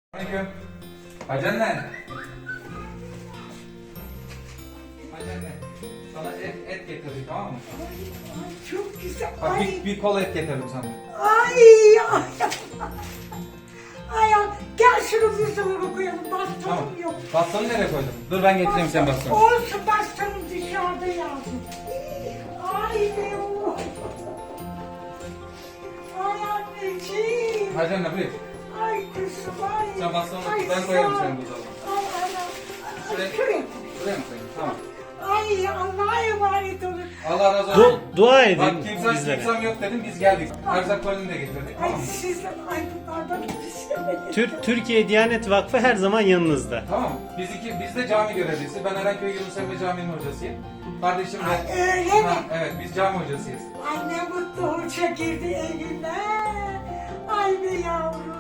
Aleyküm. Hacı anne. Hacı anne. Sana et getirdik, tamam mı? Ay, çok güzel. Bak Ay, bir kol et getirdim sana. ay, ay. Ay, ay. Gel şunu buzdolabına koyalım. Tamam. Bastonum yok. Bastonu nereye koydun? Dur ben getireyim sen bastonu. Olsun, bastonum dışarıda yavrum. Ay be o. Ay anneciğim. Hacı anne buyur. Ay kızım ay. Sen bastonu Ay, ben koyarım sağ ol. senin buzdolabına. Ay anam. Şuraya- Ay, şuraya. Buraya mı koyayım? Tamam. Ay Allah'a emanet olun. Allah razı olsun. Dua edin Bak kimsem bizlere. yok dedim, biz geldik. Erzak kolini de getirdik, Ay tamam mı? sizden ay bunlardan güzel. Türkiye Diyanet Vakfı her zaman yanınızda. Tamam mı? Biz de cami görevlisi. Ben Erenköy Yunus Emre Camii'nin hocasıyım. Kardeşim de... Öyle mi? Ha, evet, biz cami hocasıyız. Ay ne mutlu hoca girdi evime. Ay be yavrum.